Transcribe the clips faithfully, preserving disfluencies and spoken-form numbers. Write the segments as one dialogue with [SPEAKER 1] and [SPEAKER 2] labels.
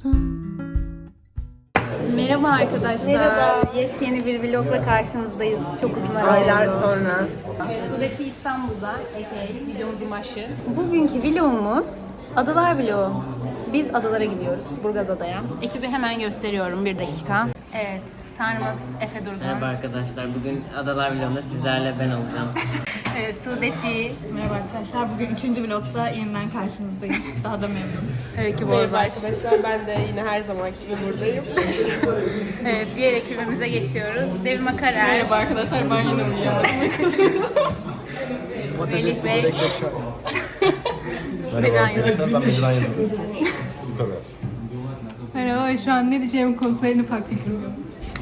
[SPEAKER 1] yaşadım.
[SPEAKER 2] Merhaba arkadaşlar.
[SPEAKER 3] Merhaba.
[SPEAKER 2] Yes, yeni bir vlogla karşınızdayız. Çok uzun
[SPEAKER 3] Aylar
[SPEAKER 2] aralar
[SPEAKER 3] sonra.
[SPEAKER 2] E, Sudeti İstanbul'da. Epey videomuzun başı. Bugünkü vlogumuz Adalar vlogu. Biz adalara gidiyoruz. Burgazada'ya. Ekibi hemen gösteriyorum. Bir dakika. Evet. Tanrımız Efe Durgun.
[SPEAKER 4] Merhaba arkadaşlar. Bugün Adalar vlogunda sizlerle ben olacağım.
[SPEAKER 2] Evet, Sudeti.
[SPEAKER 5] Merhaba arkadaşlar. Bugün üçüncü vlogda yeniden karşınızdayım. Daha da memnunum.
[SPEAKER 2] Öykü
[SPEAKER 3] Merhaba
[SPEAKER 2] Borbaş.
[SPEAKER 3] arkadaşlar, ben de yine her zamanki gibi buradayım.
[SPEAKER 2] Evet, diğer ekibimize geçiyoruz. Devrim Akarer.
[SPEAKER 5] Merhaba arkadaşlar. Ben yine uyuyamadım.
[SPEAKER 2] Melih Bey.
[SPEAKER 6] Merhaba arkadaşlar, ben Medran Yıldırım. Bu kadar.
[SPEAKER 5] Merhaba. Şu an ne diyeceğim konserini fark etmiyorum.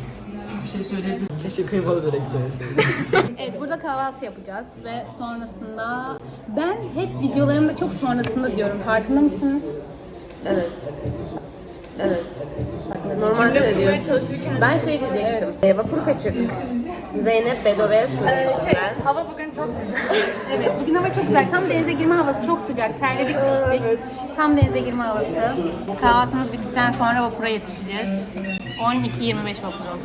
[SPEAKER 7] Keşke kıymalı börek söyleseydim.
[SPEAKER 2] Evet, burada kahvaltı yapacağız ve sonrasında ben hep videolarımda çok sonrasında diyorum. Farkında mısınız?
[SPEAKER 3] Evet. Evet. Normalde de diyorsun. Ben şey diyecektim. E, vapur kaçırdık. Zeynep, Bedo ve Su. ben.
[SPEAKER 2] Hava bugün çok güzel. Evet, bugün hava çok güzel. Tam denize girme havası, çok sıcak. Terledik, piştik. Tam denize girme havası. Kahvaltımız bittikten sonra vapura yetişeceğiz. on iki yirmi beş vapuru.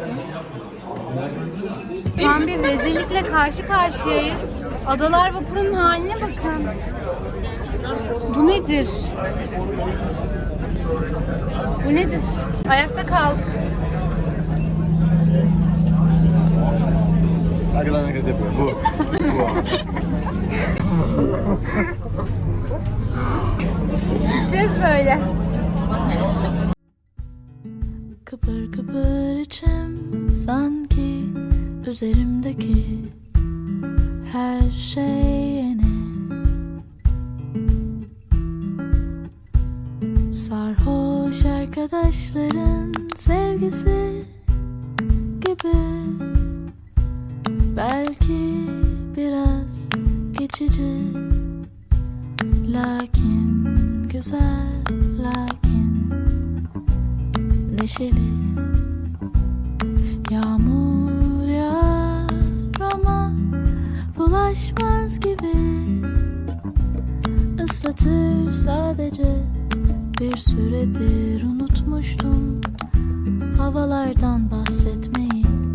[SPEAKER 2] Şu an bir rezillikle karşı karşıyayız. Adalar vapurunun haline bakın. Bu nedir? Bu nedir? Ayakta kaldık.
[SPEAKER 6] Arkadan hareket yapıyor. Bu. Bu.
[SPEAKER 2] Gideceğiz böyle.
[SPEAKER 1] Kıpır kıpır içim sanki üzerimdeki her şey yeni. Sarhoş arkadaşların sevgisi gibi. Belki biraz geçici, lakin güzel, lakin neşeli. Yağmur yağar ama bulaşmaz gibi. Islatır sadece, bir süredir unutmuştum havalardan bahsetmeyi.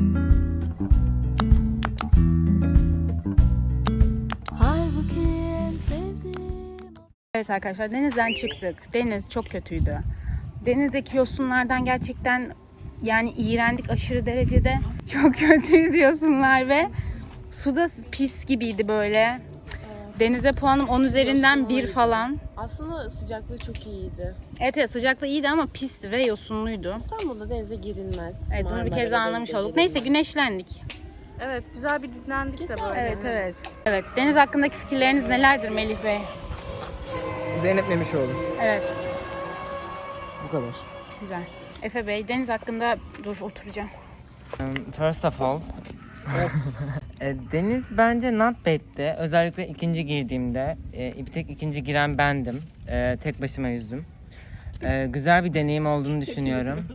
[SPEAKER 1] Halbuki en sevdiğim...
[SPEAKER 2] Evet arkadaşlar, denizden çıktık. Deniz çok kötüydü. Denizdeki yosunlardan gerçekten yani iğrendik aşırı derecede. Çok kötüydü yosunlar ve suda pis gibiydi böyle. Denize puanım on üzerinden bir falan.
[SPEAKER 3] Aslında sıcaklığı çok iyiydi.
[SPEAKER 2] Evet, evet, sıcaklığı iyiydi ama pisti ve yosunluydu.
[SPEAKER 3] İstanbul'da denize girilmez.
[SPEAKER 2] Evet, bunu bir kez
[SPEAKER 3] Marmara'da
[SPEAKER 2] anlamış
[SPEAKER 3] denize
[SPEAKER 2] olduk. Neyse,
[SPEAKER 3] girilmez.
[SPEAKER 2] güneşlendik.
[SPEAKER 3] Evet, güzel bir dinlendik de böyle.
[SPEAKER 2] Evet, evet. Evet, deniz hakkındaki fikirleriniz nelerdir Melih Bey?
[SPEAKER 7] Zeynep Memişoğlu.
[SPEAKER 2] Evet,
[SPEAKER 7] Bu kadar.
[SPEAKER 2] güzel. Efe Bey, deniz hakkında dur oturacağım.
[SPEAKER 4] Um, First of all, e, deniz bence not bad'ti. Özellikle ikinci girdiğimde, e, bir tek ikinci giren bendim. E, tek başıma yüzdüm. E, güzel bir deneyim olduğunu düşünüyorum.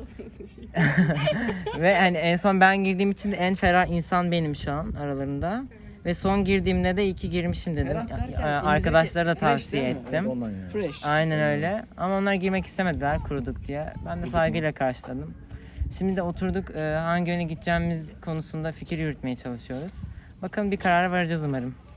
[SPEAKER 4] Ve hani en son ben girdiğim için de en ferah insan benim şu an aralarında. Ve son girdiğimde de iyi ki girmişim dedim. E, Arkadaşlara da tavsiye ettim.
[SPEAKER 6] Ondan yani.
[SPEAKER 7] Fresh.
[SPEAKER 4] Aynen öyle. Ama onlar girmek istemediler kuruduk diye. Ben de saygıyla karşıladım. Şimdi de oturduk e, hangi yöne gideceğimiz konusunda fikir yürütmeye çalışıyoruz. Bakalım bir karara varacağız umarım.